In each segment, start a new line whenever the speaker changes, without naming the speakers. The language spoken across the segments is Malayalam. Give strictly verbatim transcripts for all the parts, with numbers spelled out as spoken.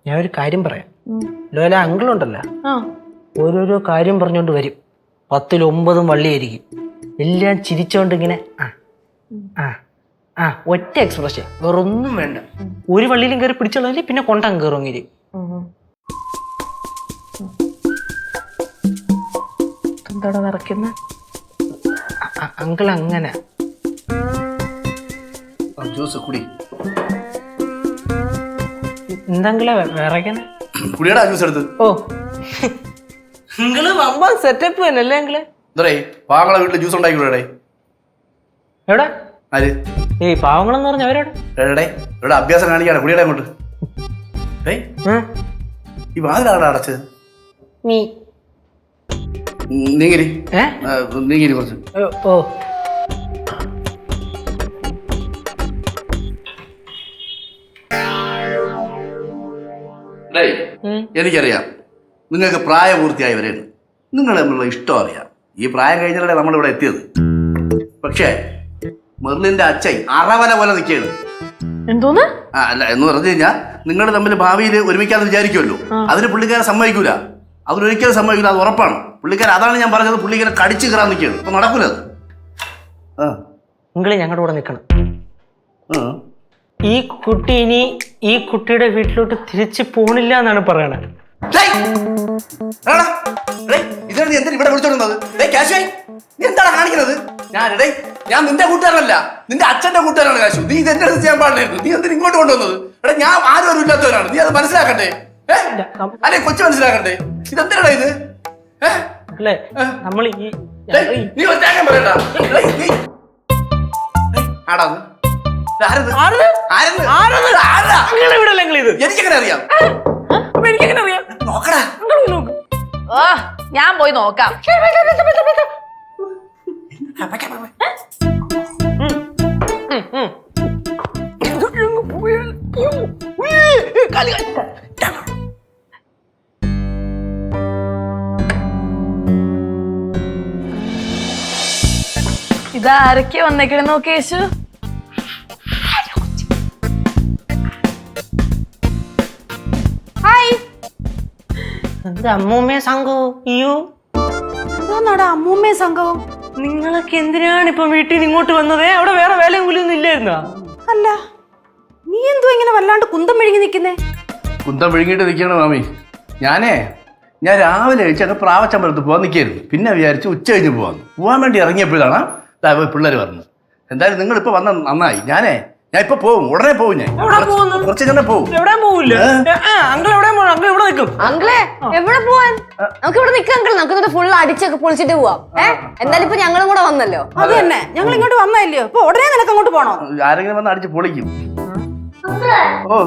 ഞാൻ ഒരു കാര്യം പറയാം. ലോല അങ്കിളുണ്ടല്ലോ, ഓരോരോ കാര്യം പറഞ്ഞോണ്ട് വരും. പത്തിൽ ഒമ്പതും വള്ളിയായിരിക്കും. എല്ലാം ചിരിച്ചോണ്ട് ഇങ്ങനെ ആ ആ ആ ഒറ്റ എക്സ്പ്രഷൻ, വേറൊന്നും വേണ്ട. ഒരു വള്ളിയിലും കയറി പിടിച്ചോളാം, പിന്നെ കൊണ്ടങ്ങ് കയറുമെങ്കിൽ.
എന്താടാ നിറയ്ക്കുന്ന
അങ്കിൾ അങ്ങനെ
ജ്യൂസ് കുടി.
എന്താങ്കിളെ വിറയ്ക്കണ?
കുടിയടാ ജ്യൂസ് എടുത്ത്.
ഓ നിങ്ങള് വമ്പ സെറ്റപ്പ് തന്നെ അല്ലേ അങ്കിളെ?
എന്തേ പാവങ്ങളെ വീട്ടില് ജ്യൂസ് ഉണ്ടാക്കി വിടേ.
എവിടെ?
ആര്?
ഈ പാവങ്ങളെന്ന് പറഞ്ഞ അവരോടെ
എടേ ഇവിടെ അഭ്യാസം കാണിക്കാണ്. കുടിയടാ അങ്ങോട്ട്. ഏയ് ഈ വാതിലാടാ അടച്ചത്.
നീ
നീങ്ങിരി
ഏ
നീങ്ങിരി കുറച്ച്.
ഓ
എനിക്കറിയാം നിങ്ങൾക്ക് പ്രായപൂർത്തിയായവരെയാണ്. നിങ്ങൾ തമ്മിലുള്ള ഇഷ്ടം അറിയാം. ഈ പ്രായം കഴിഞ്ഞാലേ നമ്മളിവിടെ എത്തിയത്. പക്ഷേ മെർലിന്റെ അച്ഛൻ അറവല പോലെ നിൽക്കുകയാണ്.
എന്തോന്ന്?
ആ അല്ല എന്ന് പറഞ്ഞു കഴിഞ്ഞാൽ നിങ്ങൾ തമ്മിൽ ഭാവിയിൽ ഒരുമിക്കാന്ന് വിചാരിക്കുമല്ലോ. അതിന് പുള്ളിക്കാരെ സമ്മതിക്കൂല. അതിനൊരിക്കലും സമ്മതിക്കില്ല, അത് ഉറപ്പാണ്. പുള്ളിക്കാരൻ അതാണ് ഞാൻ പറഞ്ഞത്, പുള്ളിക്കാരെ കടിച്ചു കയറാൻ നിൽക്കുകയാണ്. അപ്പൊ നടക്കൂല അത്. ആ
നിങ്ങള് ഞങ്ങളുടെ കൂടെ നിൽക്കണം. ഈ കുട്ടി ഇനി ഈ കുട്ടിയുടെ വീട്ടിലോട്ട് തിരിച്ചു പോണില്ല എന്നാണ് പറയണത്.
ഇതാണ് നീ എന്താ ഇവിടെ വിളിച്ചോണ്ടുന്നത്? എന്താണ് കാണിക്കുന്നത്? ഞാൻ ഇടേ ഞാൻ നിന്റെ കൂട്ടുകാരനല്ല, നിന്റെ അച്ഛന്റെ കൂട്ടുകാരാണ് കാശു. നീ ഇത് എന്റെ അടുത്ത് ചെയ്യാൻ പാടില്ലായിരുന്നു. നീ എന്തിനാ ഇങ്ങോട്ട് കൊണ്ടുവന്നത്? എടാ ഞാൻ ആരും ഒരു ഇല്ലാത്തവരാണ്. നീ അത് മനസ്സിലാക്കണ്ടേ? അല്ലെ കൊച്ചു മനസ്സിലാക്കണ്ടേ? ഇതെന്താടാ ഇത്?
അല്ലേ നമ്മൾ ഈ
നീ പറയണ്ട. ആടാ എനിക്കെങ്ങനെ അറിയാം?
എനിക്കെങ്ങനെ അറിയാം?
നോക്കടാ.
ഓ ഞാൻ പോയി നോക്കാം. ഇതാരൊക്കെ വന്നേക്കണേ നോക്കി യേശു.
എന്താ അമ്മൂമ്മയെ സംഘവും അയ്യോ
എന്താടാ അമ്മൂമ്മയെ സംഘവും?
നിങ്ങളൊക്കെ എന്തിനാണ് ഇപ്പൊ വീട്ടിൽ നിന്ന് ഇങ്ങോട്ട് വന്നത്? അവിടെ വേറെ വേലയും കൂലിയൊന്നും ഇല്ലായിരുന്നോ?
അല്ല നീ എന്തോ ഇങ്ങനെ വല്ലാണ്ട് കുന്തം വിഴുങ്ങി നിൽക്കുന്നേ?
കുന്തം വിഴുങ്ങിട്ട് നിൽക്കണം മാമി. ഞാനേ ഞാൻ രാവിലെ കഴിച്ചൊക്കെ പ്രാവച്ചമ്പലത്ത് പോകാൻ നിൽക്കായിരുന്നു. പിന്നെ വിചാരിച്ചു ഉച്ച കഴിഞ്ഞ് പോകാന്ന്. പോകാൻ വേണ്ടി ഇറങ്ങിയപ്പോഴാണ് പിള്ളേർ പറഞ്ഞത്. എന്തായാലും നിങ്ങൾ ഇപ്പൊ വന്ന നന്നായി. ഞാനേ ഞാൻ ഇപ്പൊ പോവും, ഉടനെ പോവും. ഞാൻ കുറച്ച് തന്നെ പോവും.
എവിടെ പോവില്ല അങ്കിൾ, എവിടെ അങ്കിൾ ഇവിടെ നിൽക്കും.
അങ്കിളെ എവിടെ പോവാൻ? നമുക്ക് ഇവിടെ നിൽക്കാം അങ്കിൾ. നമുക്ക് ഫുൾ അടിച്ചൊക്കെ പൊളിച്ചിട്ട് പോവാം. ഏഹ് എന്തായാലും ഇപ്പൊ ഞങ്ങളും കൂടെ വന്നല്ലോ.
അത് തന്നെ, ഞങ്ങൾ ഇങ്ങോട്ട് വന്നല്ലോ. അപ്പൊ ഉടനെ നിനക്ക് അങ്ങോട്ട് പോണോ?
ആരെങ്കിലും വന്ന് അടിച്ച് പൊളിക്കും. ഓ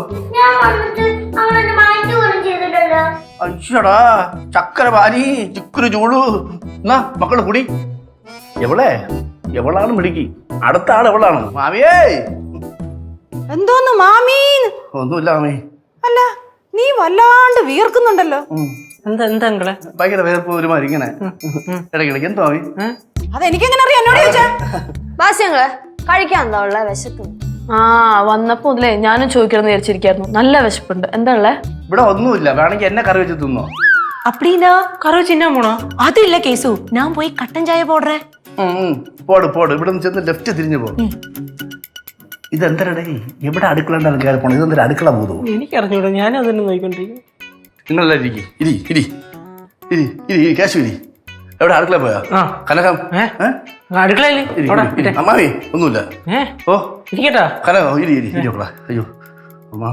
അയ്യടാ ചക്കര പാനി ചിക്കുരു ചൂളു. എന്നാ മക്കള് കുടി. എവളെ എവളാണ് മിടുക്കി. അടുത്ത ആൾ എവളാണ്. മാമിയേ.
എന്തോന്ന് മാമീന്ന്?
ഒന്നുമില്ല മാമി.
അല്ല നീ വല്ലാണ്ട് വീർക്കുന്നുണ്ടല്ലോ.
എന്താ എന്താ അങ്കിളെ?
ഭയങ്കര വേർപ്പ് ഒരുമാതിരി ഇങ്ങനെ ഇടയ്ക്കിടയ്ക്ക്. എന്തോ മാമി?
അതെനിക്കെങ്ങനെ അറിയാം? എന്നോട് ചോദിച്ചാ.
ബാസ്യങ്ങളെ കഴിക്കാൻ എന്താ ഉള്ള വിശക്കുന്നു?
ആ വന്നപ്പോ മുതലേ ഞാനും ചോദിക്കണം വിചാരിച്ചിരിക്കായിരുന്നു. നല്ല വിശപ്പുണ്ട്. എന്താ ഉള്ളേ?
ഇവിടെ ഒന്നുമില്ല. വേണമെങ്കിൽ എന്നെ കറി വെച്ച് തിന്നോ.
அப்படின்னா கரு சின்ன போனோ?
அது இல்ல கேசு, நான் போய் கட்டன் சாய போடுறேன்.
പോട് പോട്. ഇവിടെ നിന്ന് ചെന്ന് ലെഫ്റ്റ് തിരിഞ്ഞു പോകും. ഇതെന്തരടേ എവിടെ അടുക്കള ഉണ്ടാകും കയറി പോണം? ഇതെന്തൊരു അടുക്കള പോകും?
എനിക്കറിഞ്ഞൂടാ, ഞാൻ അതൊന്നും നോക്കിക്കൊണ്ടിരിക്കും.
നിങ്ങളെല്ലാം ഇരിക്കും. ഇരി ഇരി ഇരി ഇരി ഇരി കാശു ഇരി. എവിടെ അടുക്കള പോയാ? കനകം
അടുക്കളയില്
അമ്മാവി ഒന്നുമില്ല. ഓ
ഇരിക്കട്ടാ.
കനകം ഇരി ഇരി ഇരി. അയ്യോ അമ്മാ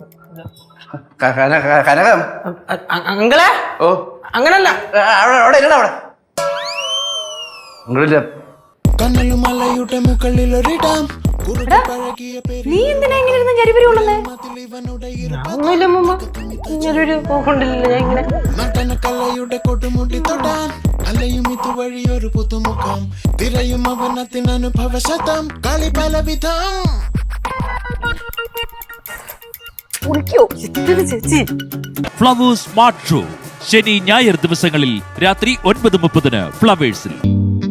കനകം.
അങ്ങളെ
ഓ
അങ്ങനല്ല,
അവിടെ അവിടെ ഇല്ല അവിടെ നിങ്ങളില്ല.
നീ എന്തിനാ ഇങ്ങനെ ഇരുന്ന് ജരിപരി കൊള്ളുന്നേ?
ഒന്നുമില്ല മുമ്പ് ഇങ്ങനൊരു പോക്കൊണ്ടില്ല. ഞാൻ ഇങ്ങനെ
നടനക്കലയുടെ കൊടുമുടി തൊടാൻ അലയും ഇതുവഴിയൊരു പുതുമുഖം തിരയും അവനത്തിനനുഭവശതം കളി പലവിധം.
ഫ്ലവേഴ്സ് സ്മാർട്ട് ഷോ ശനി ഞായർ ദിവസങ്ങളിൽ രാത്രി ഒൻപത് മുപ്പതിന് ഫ്ലവേഴ്സിൽ.